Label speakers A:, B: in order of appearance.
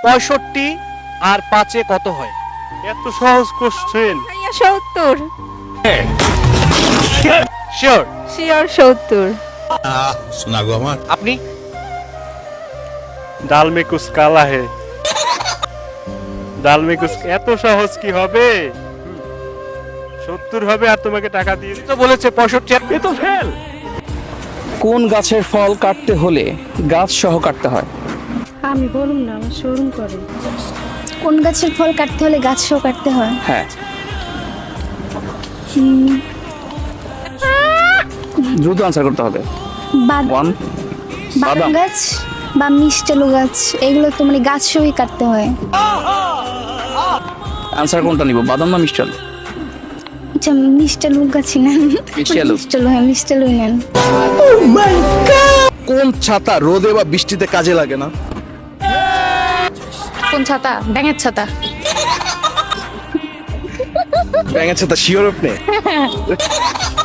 A: 65 আর 5-এ কত হয়?
B: এত সহজ কোশ্চেন।
C: 70।
A: শিওর?
C: শিওর 70।
D: শোনা গো আমার।
A: আপনি?
B: ডাল মে কুছ কালা হে। ডাল মে কুছ, এত সহজ কি হবে? 70 হবে আর তোমাকে টাকা দিয়ে
A: তো বলেছে 65।
B: এ তো ফেল।
E: কোন গাছের ফল কাটতে হলে গাছ সহ কাটতে হয়?
F: আমি বলুন না, আমার শোরুম করে।
G: কোন গাছের ফল কাটতে হলে গাছ সহ কাটতে হয়?
E: হ্যাঁ, দ্রুত আনসার করতে হবে। ওয়ান,
G: বাদাম
E: বাদাম।
G: গাছ বা মিষ্টালু গাছ, এগুলো তো মানে গাছ সহই কাটতে হয়।
E: আনসার কোনটা নিব, বাদাম না মিষ্টাল?
G: আচ্ছা, মিষ্টালু গাছই নেন।
E: মিষ্টালু।
G: মিষ্টালু, হ্যাঁ মিষ্টালুই নেন।
D: কোন ছাতা রোদে বা বৃষ্টিতে কাজে লাগে না?
C: কোন ছাতা? ব্যাঙের ছাতা।
D: ব্যাঙের ছাতা শিওর আপনি?